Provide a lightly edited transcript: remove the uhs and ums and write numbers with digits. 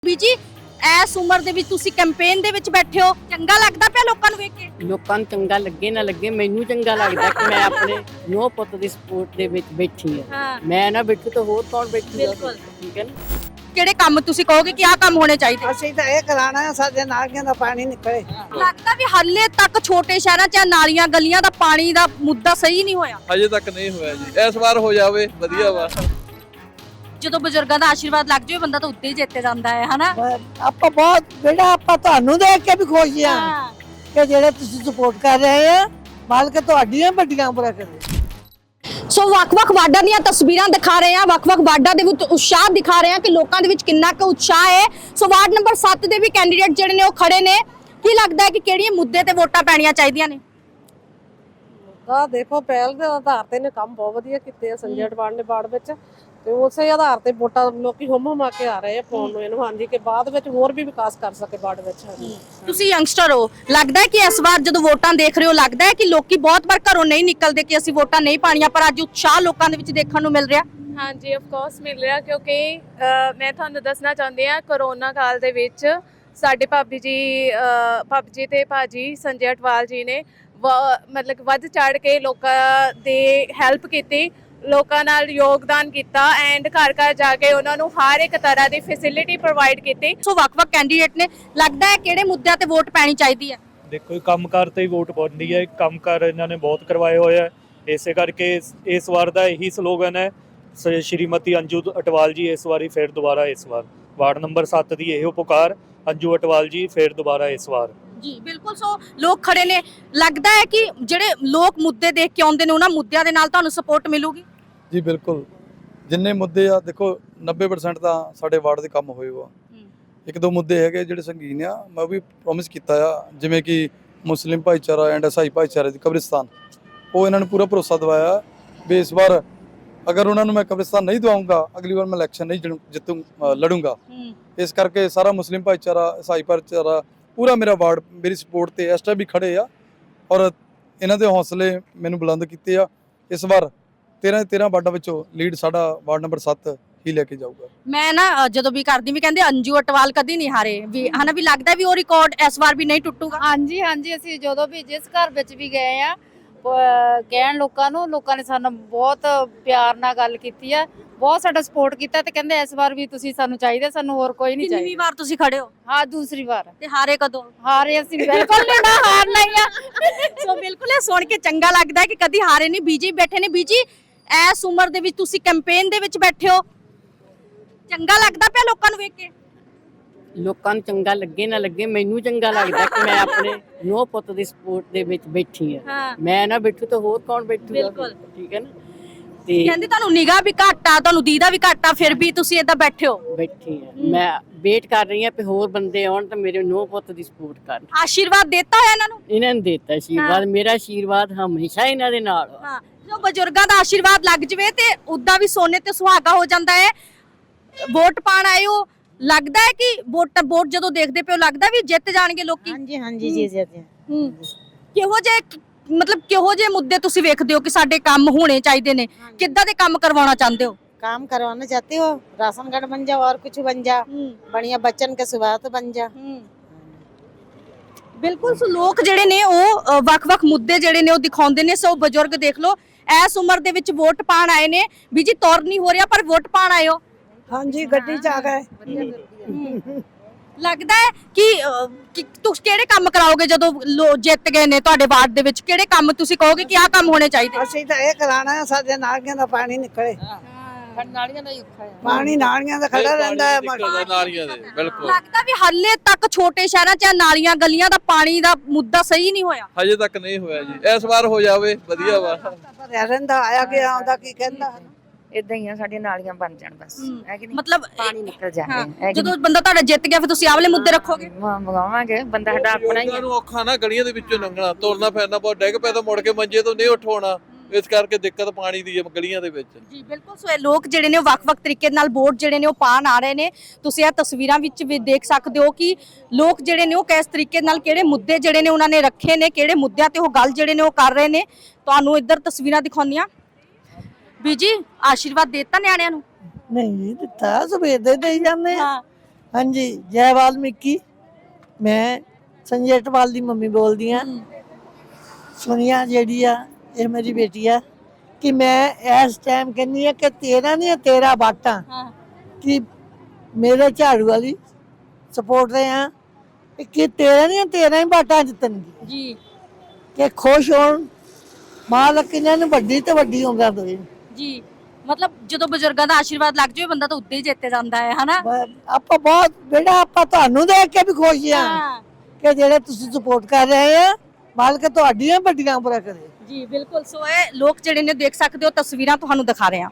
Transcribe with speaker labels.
Speaker 1: ਬੀਜੀ S ਉਮਰ ਦੇ ਵਿੱਚ ਤੁਸੀਂ ਕੈਂਪੇਨ ਦੇ ਵਿੱਚ ਬੈਠੇ ਹੋ, ਚੰਗਾ ਲੱਗਦਾ ਪਿਆ ਲੋਕਾਂ ਨੂੰ ਵੇਖ ਕੇ?
Speaker 2: ਲੋਕਾਂ ਨੂੰ ਚੰਗਾ ਲੱਗੇ ਨਾ ਲੱਗੇ, ਮੈਨੂੰ ਚੰਗਾ ਲੱਗਦਾ ਕਿ ਮੈਂ ਆਪਣੇ ਨੋ ਪੁੱਤ ਦੀ ਸਪੋਰਟ ਦੇ ਵਿੱਚ ਬੈਠੀ ਆ।
Speaker 1: ਹਾਂ
Speaker 2: ਮੈਂ ਨਾ ਬੈਠੂ ਤਾਂ ਹੋਰ ਕੌਣ ਬੈਠੂਗਾ?
Speaker 1: ਬਿਲਕੁਲ।
Speaker 2: ਠੀਕ ਹੈ ਨਾ।
Speaker 1: ਕਿਹੜੇ ਕੰਮ ਤੁਸੀਂ ਕਹੋਗੇ ਕਿ ਆਹ ਕੰਮ ਹੋਣੇ ਚਾਹੀਦੇ?
Speaker 3: ਅਸੀਂ ਤਾਂ ਇਹ ਕਰਾਣਾ ਹੈ ਸਾਡੇ ਨਾਲੀਆਂ ਦਾ ਪਾਣੀ ਨਿਕਲੇ।
Speaker 1: ਲੱਗਦਾ ਵੀ ਹਾਲੇ ਤੱਕ ਛੋਟੇ ਸ਼ਹਿਰਾਂ 'ਚ ਨਾਲੀਆਂ ਗਲੀਆਂ ਦਾ ਪਾਣੀ ਦਾ ਮੁੱਦਾ ਸਹੀ ਨਹੀਂ ਹੋਇਆ।
Speaker 4: ਅਜੇ ਤੱਕ ਨਹੀਂ ਹੋਇਆ ਜੀ, ਇਸ ਵਾਰ ਹੋ ਜਾਵੇ ਵਧੀਆ ਵਾ।
Speaker 1: ਜਦੋਂ ਬਜ਼ੁਰਗਾਂ ਦਾ ਆਸ਼ੀਰਵਾਦ ਲੱਗ ਜਾਵੇ ਬੰਦਾ ਤਾਂ ਉੱਤੇ ਹੀ ਜਿੱਤੇ ਜਾਂਦਾ ਹੈ, ਹਨਾ?
Speaker 3: ਆਪਾਂ ਬਹੁਤ ਬੇੜਾ ਆਪਾਂ ਤੁਹਾਨੂੰ ਦੇਖ ਕੇ ਵੀ ਖੁਸ਼ ਆ ਕਿ ਜਿਹੜੇ ਤੁਸੀਂ ਸਪੋਰਟ ਕਰ ਰਹੇ ਆ, ਮਾਲਕ ਤੁਹਾਡੀਆਂ ਵੱਡੀਆਂ ਉਮਰਾਂ ਕਰੇ।
Speaker 1: ਸੋ ਵੱਖ-ਵੱਖ ਵਾਰਡਾਂ ਦੀਆਂ ਤਸਵੀਰਾਂ ਦਿਖਾ ਰਹੇ ਹਾਂ, ਵੱਖ-ਵੱਖ ਵਾਰਡਾਂ ਦੇ ਵਿੱਚ ਉਤਸ਼ਾਹ ਦਿਖਾ ਰਹੇ ਹਾਂ ਕਿ ਲੋਕਾਂ ਦੇ ਵਿੱਚ ਕਿੰਨਾ ਕੁ ਉਤਸ਼ਾਹ ਹੈ। ਸੋ ਵਾਰਡ ਨੰਬਰ 7 ਦੇ ਵੀ ਕੈਂਡੀਡੇਟ ਜਿਹੜੇ ਨੇ ਉਹ ਖੜੇ ਨੇ। ਕੀ ਲੱਗਦਾ ਹੈ ਕਿ ਕਿਹੜੀਆਂ ਮੁੱਦੇ ਤੇ ਵੋਟਾਂ ਪੈਣੀਆਂ ਚਾਹੀਦੀਆਂ ਨੇ?
Speaker 5: ਦੇਖੋ ਪਹਿਲ ਦੇ ਆਧਾਰ ਤੇ ਨੇ ਕੰਮ ਬਹੁਤ ਵਧੀਆ ਕੀਤੇ ਆ ਸੰਜੇ ਅਟਵਾਲ ਨੇ ਵਾਰਡ ਵਿੱਚ, ਤੇ ਉਸੇ ਆਧਾਰ ਤੇ ਵੋਟਾਂ ਲੋਕੀ ਹੁਮ ਕੇ ਆ ਰਹੇ ਆ ਪਾਉਣ ਨੂੰ ਇਹਨੂੰ, ਹਾਂਜੀ, ਕਿ ਬਾਅਦ ਵਿੱਚ ਹੋਰ ਵੀ ਵਿਕਾਸ ਕਰ ਸਕੇ ਵਾਰਡ ਵਿੱਚ।
Speaker 1: ਤੁਸੀਂ ਯੰਗਸਟਰ ਹੋ, ਲੱਗਦਾ ਹੈ ਕਿ ਇਸ ਵਾਰ ਜਦੋਂ ਵੋਟਾਂ ਦੇਖ ਰਹੇ ਹੋ ਲੱਗਦਾ ਹੈ ਕਿ ਲੋਕੀ ਬਹੁਤ ਵਾਰ ਘਰੋਂ ਨਹੀਂ ਨਿਕਲਦੇ ਕਿ ਅਸੀਂ ਵੋਟਾਂ ਨਹੀਂ ਪਾਣੀਆਂ, ਪਰ ਅੱਜ ਉਤਸ਼ਾਹ ਲੋਕਾਂ ਦੇ ਵਿੱਚ ਦੇਖਣ ਨੂੰ ਮਿਲ ਰਿਹਾ?
Speaker 6: ਹਾਂਜੀ ਆਫ ਕੋਰਸ ਮਿਲ ਰਿਹਾ, ਕਿਉਂਕਿ ਮੈਂ ਤੁਹਾਨੂੰ ਦੱਸਣਾ ਚਾਹੁੰਦੀ ਹਾਂ ਕਰੋਨਾ ਕਾਲ ਦੇ ਵਿੱਚ ਸਾਡੇ ਭਾਬੀ ਜੀ ਤੇ ਭਾਜੀ ਸੰਜੇ ਅਟਵਾਲ ਜੀ ਨੇ ਮਤਲਬ ਵੱਧ ਚੜ ਕੇ ਲੋਕਾਂ ਦੇ ਹੈਲਪ ਕੀਤੀ, ਲੋਕਾਂ ਨਾਲ ਯੋਗਦਾਨ ਕੀਤਾ ਐਂਡ ਘਰ ਘਰ ਜਾ ਕੇ ਉਹਨਾਂ ਨੂੰ ਹਰ ਇੱਕ ਤਰ੍ਹਾਂ ਦੀ ਫੈਸਿਲਿਟੀ ਪ੍ਰੋਵਾਈਡ ਕੀਤੀ।
Speaker 1: ਸੋ ਵੱਖ-ਵੱਖ ਕੈਂਡੀਡੇਟ ਨੇ, ਲੱਗਦਾ ਹੈ ਕਿਹੜੇ ਮੁੱਦਿਆਂ ਤੇ ਵੋਟ ਪੈਣੀ ਚਾਹੀਦੀ ਹੈ?
Speaker 7: ਦੇਖੋ ਕੰਮਕਾਰ ਤੇ ਹੀ ਵੋਟ ਪਾਉਂਦੀ ਹੈ। ਕੰਮਕਾਰ ਇਹਨਾਂ ਨੇ ਬਹੁਤ ਕਰਵਾਏ ਹੋਏ ਆ, ਇਸੇ ਕਰਕੇ ਇਸ ਵਾਰ ਦਾ ਇਹੀ ਸਲੋਗਨ ਹੈ ਸ਼੍ਰੀਮਤੀ ਅੰਜੂ ਅਟਵਾਲ ਜੀ ਇਸ ਵਾਰੀ ਫਿਰ ਦੁਬਾਰਾ ਇਸ ਵਾਰ। ਵਾਰਡ ਨੰਬਰ 7 ਦੀ ਇਹੋ ਪੁਕਾਰ, ਅੰਜੂ ਅਟਵਾਲ ਜੀ ਫਿਰ ਦੁਬਾਰਾ ਇਸ ਵਾਰ।
Speaker 1: ਜੀ ਬਿਲਕੁਲ। ਸੋ ਲੋਕ ਖੜੇ ਨੇ, ਲੱਗਦਾ ਹੈ ਕਿ ਜਿਹੜੇ ਲੋਕ ਮੁੱਦੇ ਦੇਖ ਕੇ ਆਉਂਦੇ ਨੇ ਉਹਨਾਂ ਮੁੱਦਿਆਂ ਦੇ ਨਾਲ ਤੁਹਾਨੂੰ ਸਪੋਰਟ ਮਿਲੂਗੀ?
Speaker 8: ਜੀ ਬਿਲਕੁਲ, ਜਿੰਨੇ ਮੁੱਦੇ ਆ ਦੇਖੋ 90% ਤਾਂ ਸਾਡੇ ਵਾਰਡ ਦੇ ਕੰਮ ਹੋਏ ਵਾ। ਇੱਕ ਦੋ ਮੁੱਦੇ ਹੈਗੇ ਜਿਹੜੇ ਸੰਗੀਨ ਆ, ਮੈਂ ਵੀ ਪ੍ਰੋਮਿਸ ਕੀਤਾ ਆ, ਜਿਵੇਂ ਕਿ ਮੁਸਲਿਮ ਭਾਈਚਾਰਾ ਐਂਡ ਈਸਾਈ ਭਾਈਚਾਰੇ ਦੀ ਕਬਰਿਸਤਾਨ, ਉਹ ਇਹਨਾਂ ਨੂੰ ਪੂਰਾ ਭਰੋਸਾ ਦਿਵਾਇਆ ਵੀ ਇਸ ਵਾਰ ਅਗਰ ਉਹਨਾਂ ਨੂੰ ਮੈਂ ਕਬਰਿਸਤਾਨ ਨਹੀਂ ਦਵਾਉਂਗਾ ਅਗਲੀ ਵਾਰ ਮੈਂ ਇਲੈਕਸ਼ਨ ਨਹੀਂ ਲੜੂੰਗਾ। ਇਸ ਕਰਕੇ ਸਾਰਾ ਮੁਸਲਿਮ ਭਾਈਚਾਰਾ ਈਸਾਈ ਭਾਈਚਾਰਾ ਪੂਰਾ ਮੇਰਾ ਵਾਰਡ ਮੇਰੀ ਸਪੋਰਟ ਤੇ ਇਸ ਟਾਈਮ ਵੀ ਖੜੇ ਆ, ਔਰ ਇਹਨਾਂ ਦੇ ਹੌਸਲੇ ਮੈਨੂੰ ਬੁਲੰਦ ਕੀਤੇ ਆ। ਇਸ ਵਾਰ 13 ਵਾਰਡਾਂ ਵਿੱਚੋਂ ਲੀਡ ਸਾਡਾ ਵਾਰਡ ਨੰਬਰ 7 ਹੀ ਲੈ ਕੇ ਜਾਊਗਾ।
Speaker 1: ਮੈਂ ਨਾ ਜਦੋਂ ਵੀ ਕਰਦੀ ਵੀ ਕਹਿੰਦੇ ਅੰਜੂ ਅਟਵਾਲ ਕਦੀ ਨਹੀਂ ਹਾਰੇ ਵੀ, ਹਨਾ, ਵੀ ਲੱਗਦਾ ਵੀ ਉਹ ਰਿਕਾਰਡ ਇਸ ਵਾਰ ਵੀ ਨਹੀਂ ਟੁੱਟੂਗਾ।
Speaker 9: ਹਾਂਜੀ ਹਾਂਜੀ, ਅਸੀਂ ਜਦੋਂ ਵੀ ਜਿਸ ਘਰ ਵਿੱਚ ਵੀ ਗਏ ਆ ਕਹਿਣ ਲੋਕਾਂ ਨੇ ਸਾਨੂੰ ਬਹੁਤ ਪਿਆਰ ਨਾਲ ਗੱਲ ਕੀਤੀ ਆ, ਬਹੁਤ ਸਾਡਾ ਸਪੋਰਟ ਕੀਤਾ, ਤੇ ਕਹਿੰਦੇ ਇਸ ਵਾਰ ਵੀ ਤੁਸੀਂ ਸਾਨੂੰ ਚਾਹੀਦੇ, ਸਾਨੂੰ ਹੋਰ ਕੋਈ ਨਹੀਂ ਚਾਹੀਦਾ।
Speaker 1: ਕਿੰਨੀ ਵਾਰ ਤੁਸੀਂ ਖੜੇ ਹੋ?
Speaker 9: ਹਾਂ, ਦੂਸਰੀ ਵਾਰ।
Speaker 1: ਤੇ ਹਾਰੇ ਕਦੋਂ?
Speaker 9: ਹਾਰੇ ਅਸੀਂ ਬਿਲਕੁਲ ਨਹੀਂ ਨਾ ਹਾਰਨਾ ਹੀ ਆ।
Speaker 1: ਸੋ ਬਿਲਕੁਲ ਇਹ ਸੁਣ ਕੇ ਚੰਗਾ ਲੱਗਦਾ ਹੈ ਕਿ ਕਦੀ ਹਾਰੇ ਨਹੀਂ। ਬੀਜੀ ਬੈਠੇ ਨੇ। ਬੀਜੀ ਐਸ ਉਮਰ ਦੇ ਵਿੱਚ ਤੁਸੀਂ ਕੈਂਪੇਨ ਦੇ ਵਿੱਚ ਬੈਠੇ ਹੋ, ਚੰਗਾ ਲੱਗਦਾ ਪਿਆ ਲੋਕਾਂ ਨੂੰ ਵੇਖ ਕੇ?
Speaker 2: ਲੋਕਾਂ ਨੂੰ ਚੰਗਾ ਲੱਗੇ ਨਾ ਲੱਗੇ, ਮੈਨੂੰ ਚੰਗਾ ਲੱਗਦਾ ਕਿ ਮੈਂ ਆਪਣੇ ਨੋ ਪੁੱਤ ਦੀ ਸਪੋਰਟ ਦੇ ਵਿੱਚ ਬੈਠੀ ਆ। ਮੈਂ ਨਾ ਬੈਠੂ ਤਾਂ ਹੋਰ ਕੌਣ ਬੈਠੂਗਾ?
Speaker 1: ਬਿਲਕੁਲ।
Speaker 2: ਠੀਕ ਹੈ ਨਾ। ਤੇ
Speaker 1: ਕਹਿੰਦੇ ਤੁਹਾਨੂੰ ਨਿਗਾਹ ਵੀ ਘੱਟ ਆ, ਤੁਹਾਨੂੰ ਦੀਦਾ ਵੀ ਘੱਟ ਆ, ਫਿਰ ਵੀ ਤੁਸੀਂ ਏਦਾਂ ਬੈਠੇ ਹੋ।
Speaker 2: ਬੈਠੀ ਆ, ਮੈਂ ਵੇਟ ਕਰ ਰਹੀ ਆ ਕਿ ਹੋਰ ਬੰਦੇ ਆਉਣ ਤਾਂ ਮੇਰੇ ਨੋ ਪੁੱਤ ਦੀ ਸਪੋਰਟ ਕਰਨ।
Speaker 1: ਆਸ਼ੀਰਵਾਦ ਦਿੱਤਾ ਹੋਇਆ ਇਹਨਾਂ ਨੂੰ?
Speaker 2: ਇਹਨਾਂ ਨੇ ਦਿੱਤਾ ਆਸ਼ੀਰਵਾਦ, ਮੇਰਾ ਆਸ਼ੀਰਵਾਦ ਹਮੇਸ਼ਾ ਇਹਨਾਂ ਦੇ ਨਾਲ ਆ।
Speaker 1: ਹਾਂ, ਜੋ ਬਜ਼ੁਰਗਾਂ ਦਾ ਆਸ਼ੀਰਵਾਦ ਲੱਗ ਜਵੇ ਤੇ ਉਦਾਂ ਵੀ ਸੋਨੇ ਤੇ ਸੁਹਾਗਾ ਹੋ ਜਾਂਦਾ ਹੈ। ਵੋਟ ਪਾਣ ਆਏ ਹੋ, ਲੱਗਦਾ ਹੈ ਕਿ ਵੋਟ ਜਦੋਂ ਦੇਖਦੇ ਪਿਓ ਲੱਗਦਾ ਵੀ ਜਿੱਤ ਜਾਣਗੇ ਲੋਕੀ?
Speaker 3: ਹਾਂਜੀ ਹਾਂਜੀ ਜੀ ਜੀ।
Speaker 1: ਕਿਹੋ ਜਿਹੇ ਮੁੱਦੇ ਤੁਸੀਂ ਵੇਖਦੇ ਹੋ ਕਿ ਸਾਡੇ ਕੰਮ ਹੋਣੇ ਚਾਹੀਦੇ ਨੇ? ਕਿੱਦਾਂ ਦੇ ਕੰਮ ਕਰਵਾਉਣਾ ਚਾਹੁੰਦੇ ਹੋ?
Speaker 3: काम करवाना चाहते हो, राशन कार्ड बन जा और कुछ बन जा, बढ़िया बच्चन के सुविधा बन जा।
Speaker 1: ਬਿਲਕੁਲ। ਸੋ ਲੋਕ ਜਿਹੜੇ ਨੇ ਉਹ ਵੱਖ-ਵੱਖ ਮੁੱਦੇ ਜਿਹੜੇ ਨੇ ਉਹ ਦਿਖਾਉਂਦੇ ਨੇ। ਸੋ ਬਜ਼ੁਰਗ ਦੇਖ ਲਓ ਐਸ ਉਮਰ ਦੇ ਵਿੱਚ ਵੋਟ ਪਾਣ ਆਏ ਨੇ। ਵੀ ਜੀ ਤੌਰ ਨਹੀਂ ਹੋ ਰਿਹਾ ਪਰ ਵੋਟ ਪਾਣ ਆਏ ਹੋ।
Speaker 3: ਹਾਂਜੀ, ਗੱਡੀ ਚ ਆ ਗਏ।
Speaker 1: ਲੱਗਦਾ ਹੈ ਕਿ ਤੁਸੀਂ ਕਿਹੜੇ ਕੰਮ ਕਰਾਓਗੇ ਜਦੋਂ ਜਿੱਤ ਗਏ ਨੇ ਤੁਹਾਡੇ ਵਾਰਡ ਦੇ ਵਿੱਚ? ਕਿਹੜੇ ਕੰਮ ਤੁਸੀਂ ਕਹੋਗੇ ਕਿ ਆਹ ਕੰਮ ਹੋਣੇ ਚਾਹੀਦੇ?
Speaker 3: ਅਸੀਂ ਤਾਂ ਇਹ ਕਰਾਣਾ ਹੈ ਸਾਡੇ ਨਾਲੀਆਂ ਦਾ ਪਾਣੀ ਨਿਕਲੇ।
Speaker 5: ਨਾਲੀਆਂ ਦਾ ਹੀ ਔਖਾ ਹੈ,
Speaker 3: ਪਾਣੀ ਨਾਲੀਆਂ ਦਾ ਖੜਾ ਰਹਿੰਦਾ ਹੈ।
Speaker 4: ਨਾਲੀਆਂ ਦੇ ਬਿਲਕੁਲ।
Speaker 1: ਲੱਗਦਾ ਵੀ ਹਾਲੇ ਤੱਕ ਛੋਟੇ ਸ਼ਹਿਰਾਂ 'ਚ ਨਾਲੀਆਂ ਗਲੀਆਂ ਦਾ ਪਾਣੀ ਦਾ ਮੁੱਦਾ ਸਹੀ ਨਹੀਂ ਹੋਇਆ।
Speaker 4: ਅਜੇ ਤੱਕ ਨਹੀਂ ਹੋਇਆ ਜੀ, ਇਸ ਵਾਰ ਹੋ ਜਾਵੇ ਵਧੀਆ ਵਾ।
Speaker 3: ਭਰਿਆ ਰਹਿੰਦਾ, ਆਇਆ ਗਿਆ ਆਉਂਦਾ, ਕੀ ਕਹਿੰਦਾ।
Speaker 5: ਇਦਾਂ ਹੀ ਆ, ਸਾਡੀਆਂ ਨਾਲੀਆਂ ਬਣ ਜਾਣ ਬਸ, ਹੈ ਕਿ ਨਹੀਂ,
Speaker 1: ਮਤਲਬ
Speaker 5: ਪਾਣੀ ਨਿਕਲ ਜਾਵੇ।
Speaker 1: ਜਦੋਂ ਬੰਦਾ ਤੁਹਾਡਾ ਜਿੱਤ ਗਿਆ ਫਿਰ ਤੁਸੀਂ ਆਹ ਵਾਲੇ ਮੁੱਦੇ ਰੱਖੋਗੇ?
Speaker 5: ਮੰਗਾਵਾਂਗੇ, ਬੰਦਾ ਸਾਡਾ ਆਪਣਾ ਹੀ
Speaker 4: ਉਹਨਾਂ ਨੂੰ ਔਖਾ ਨਾ ਗਲੀਆਂ ਦੇ ਵਿੱਚੋਂ ਲੰਘਣਾ, ਤੁਰਨਾ ਫਿਰਨਾ ਬਹੁਤ, ਡਿੱਗ ਪਿਆ ਤਾਂ ਮੁੜ ਕੇ ਮੰਜੇ ਤੋਂ ਨਹੀਂ ਉੱਠਣਾ, ਇਸ ਕਰਕੇ ਦਿੱਕਤ ਪਾਣੀ ਦੀ ਹੈ ਗਲੀਆਂ ਦੇ ਵਿੱਚ।
Speaker 1: ਜੀ ਬਿਲਕੁਲ। ਸੋ ਇਹ ਲੋਕ ਜਿਹੜੇ ਨੇ ਉਹ ਵੱਖ-ਵੱਖ ਤਰੀਕੇ ਨਾਲ ਵੋਟ ਜਿਹੜੇ ਨੇ ਉਹ ਪਾਣ ਆ ਰਹੇ ਨੇ। ਤੁਸੀਂ ਇਹ ਤਸਵੀਰਾਂ ਵਿੱਚ ਵੀ ਦੇਖ ਸਕਦੇ ਹੋ ਕਿ ਲੋਕ ਜਿਹੜੇ ਨੇ ਉਹ ਕਿਸ ਤਰੀਕੇ ਨਾਲ ਕਿਹੜੇ ਮੁੱਦੇ ਜਿਹੜੇ ਨੇ ਉਹਨਾਂ ਨੇ ਰੱਖੇ ਨੇ, ਕਿਹੜੇ ਮੁੱਦਿਆਂ ਤੇ ਉਹ ਗੱਲ ਜਿਹੜੇ ਨੇ ਉਹ ਕਰ ਰਹੇ ਨੇ। ਤੁਹਾਨੂੰ ਇੱਧਰ ਤਸਵੀਰਾਂ ਦਿਖਾਉਂਦੀਆਂ। ਬੀਜੀ ਆਸ਼ੀਰਵਾਦ ਦਿੱਤਾ ਨਿਆਣਿਆਂ ਨੂੰ?
Speaker 3: ਨਹੀਂ ਦਿੱਤਾ, ਸਵੇਰ ਦੇ ਦੇਈ ਜਾਂਦੇ ਆ। ਹਾਂਜੀ ਜੈ ਵਾਲਮੀਕੀ। ਮੈਂ ਸੰਜੇ ਅਟਵਾਲ ਦੀ ਮੰਮੀ ਬੋਲਦੀ ਆ। ਸੁਨੀਆ ਜਿਹੜੀ ਆ ਇਹ ਮੇਰੀ ਬੇਟੀ ਆ ਕਿ ਮੈਂ ਇਸ ਟਾਈਮ ਕਹਿੰਦੀ ਆ ਕਿ 13 ਨਹੀਂ 13 ਵਾਟਾਂ ਕਿ ਮੇਰੇ ਝਾੜੂ ਵਾਲੀ ਸਪੋਰਟ ਦੇ ਆ ਕਿ 13 ਨਹੀਂ 13 ਹੀ ਵਾਟਾਂ ਜਿੱਤਣਗੇ
Speaker 1: ਜੀ
Speaker 3: ਕਿ ਖੁਸ਼ ਹੋਣ ਮਾਲਕ ਇਹਨਾਂ ਨੂੰ ਵੱਡੀ ਤੇ ਵੱਡੀ ਉਮਰ ਦੇਵੇ।
Speaker 1: ਜੀ ਮਤਲਬ ਜਦੋਂ ਬਜ਼ੁਰਗਾਂ ਦਾ ਆਸ਼ੀਰਵਾਦ ਲੱਗ ਜਾਵੇ ਬੰਦਾ ਤਾਂ ਉੱਤੇ ਹੀ ਜਿੱਤੇ ਜਾਂਦਾ ਹੈ ਹਨਾ।
Speaker 3: ਆਪਾਂ ਬਹੁਤ ਬੇਟਾ ਆਪਾਂ ਤੁਹਾਨੂੰ ਦੇਖ ਕੇ ਵੀ ਖੁਸ਼ ਆ ਕਿ ਜਿਹੜੇ ਤੁਸੀਂ ਸਪੋਰਟ ਕਰ ਰਹੇ ਆ ਮਾਲਕ ਤੁਹਾਡੀਆਂ ਵੱਡੀਆਂ ਉਮਰਾਂ ਕਰੇ।
Speaker 1: ਜੀ ਬਿਲਕੁਲ। ਸੋ ਇਹ ਲੋਕ ਜਿਹੜੇ ਨੇ ਦੇਖ ਸਕਦੇ ਹੋ ਤਸਵੀਰਾਂ ਤੁਹਾਨੂੰ ਦਿਖਾ ਰਹੇ ਹਾਂ।